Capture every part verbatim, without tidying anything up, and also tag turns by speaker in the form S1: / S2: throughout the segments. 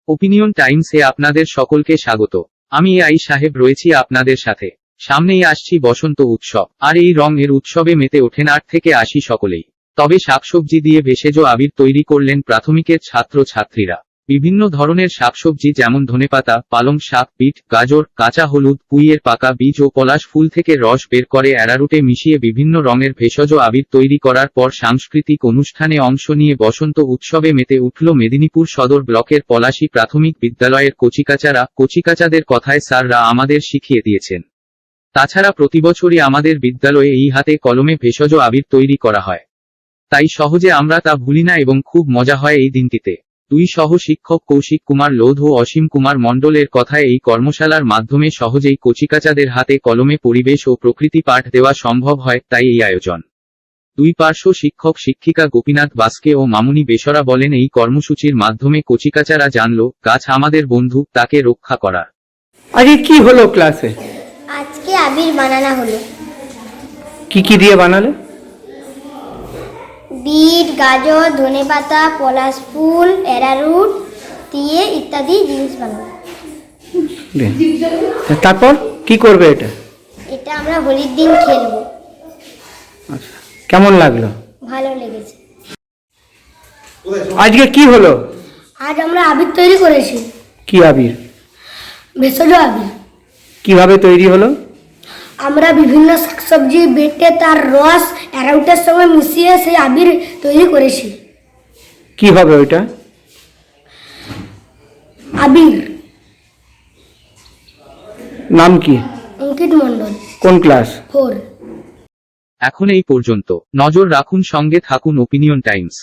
S1: Opinion টাইমসে আপনাদের সকলকে স্বাগত। আমি এ আই সাহেব রয়েছি আপনাদের সাথে। সামনেই আসছি বসন্ত উৎসব, আর এই রং এর উৎসবে মেতে ওঠেন আট থেকে আশি সকলেই। তবে শাকসবজি দিয়ে ভেষজ আবির তৈরি করলেন প্রাথমিকের ছাত্র ছাত্রীরা। বিভিন্ন ধরনের শাকসবজি যেমন ধনেপাতা, পালং শাক, বিট, গাজর, কাঁচা হলুদ, পুঁইয়ের পাকা বীজ ও পলাশ ফুল থেকে রস বের করে অ্যারারুটে মিশিয়ে বিভিন্ন রঙের ভেষজ আবির তৈরি করার পর সাংস্কৃতিক অনুষ্ঠানে অংশ নিয়ে বসন্ত উৎসবে মেতে উঠল মেদিনীপুর সদর ব্লকের পলাশী প্রাথমিক বিদ্যালয়ের কচিকাচারা। কচিকাচাদের কথায় স্যাররা আমাদের শিখিয়ে দিয়েছেন। তাছাড়া প্রতিবছরই আমাদের বিদ্যালয়ে এই হাতে কলমে ভেষজ আবির তৈরি করা হয়, তাই সহজে আমরা তা ভুলি না এবং খুব মজা হয় এই দিনটিতে। দুই সহ শিক্ষক কৌশিক কুমার লোধ ও অসীম কুমার মণ্ডলের কথায় এই কর্মশালার মাধ্যমে সহজেই কচিকাচাদের হাতে কলমে পরিবেশ ও প্রকৃতি পাঠ দেওয়া সম্ভব হয়, তাই এই আয়োজন। দুই পার্শ্ব শিক্ষক শিক্ষিকা গোপীনাথ বাস্কে ও মামুনি বেসরা বলেন, এই কর্মসূচির মাধ্যমে কচিকাচারা জানল গাছ আমাদের বন্ধু, তাকে রক্ষা করার।
S2: আজকে কি হলো ক্লাসে?
S3: আজকে আবির বানানো হলো।
S2: কি কি দিয়ে বানালে?
S3: বিট, গাজর, ধনেপাতা, পলাশ ফুল, অ্যারারুট দিয়ে ইত্যাদি জিনিস বানাবো।
S2: তারপর কি করবে এটা?
S3: এটা আমরা হোলির দিন খেলবো।
S2: আচ্ছা, কেমন লাগলো?
S3: ভালো লেগেছে।
S2: আজকে কি হলো?
S3: আজ আমরা আবির তৈরি করেছি।
S2: কি আবির?
S3: ভেষজ আবির।
S2: কিভাবে তৈরি হলো?
S3: আমরা বিভিন্ন শাকসবজি বেটে তার রস অ্যারারুটের সঙ্গে মিশিয়ে সেই আবির তৈরি করেছি।
S2: কি হবে ওইটা?
S3: আবির।
S2: নাম কি?
S3: অঙ্কিত মণ্ডল।
S2: কোন ক্লাস?
S3: ফোর।
S1: এখন এই পর্যন্ত। নজর রাখুন, সঙ্গে থাকুন ওপিনিয়ন টাইমস।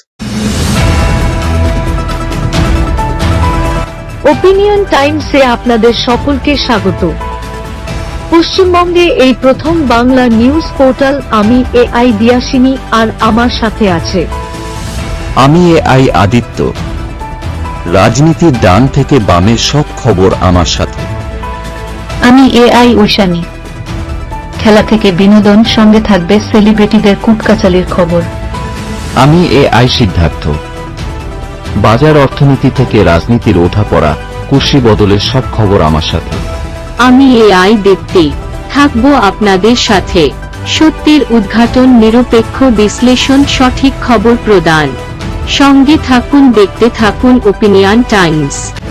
S4: ওপিনিয়ন টাইমসে আপনাদের সকলকে স্বাগত। পশ্চিমবঙ্গে এই প্রথম বাংলা নিউজ পোর্টাল। আমি এ আই দিয়াসিনী, আর আমার সাথে আছে
S5: আমি এ আই আদিত্য। রাজনীতির ডান থেকে বামের সব খবর আমার সাথে।
S6: আমি এ আই ঐশানী। খেলা থেকে বিনোদন, সঙ্গে থাকবে সেলিব্রিটিদের কুটকাচালির খবর।
S5: আমি এ আই সিদ্ধার্থ। বাজার অর্থনীতি থেকে রাজনীতির ওঠাপড়া, কুর্সি বদলের সব খবর আমার সাথে।
S7: আমি এ আই দীপ্তি, থাকবো আপনাদের সাথে। সত্যের উদ্ঘাটন, নিরপেক্ষ বিশ্লেষণ, সঠিক খবর প্রদান। সঙ্গে থাকুন, দেখতে থাকুন ওপিনিয়ন টাইমস।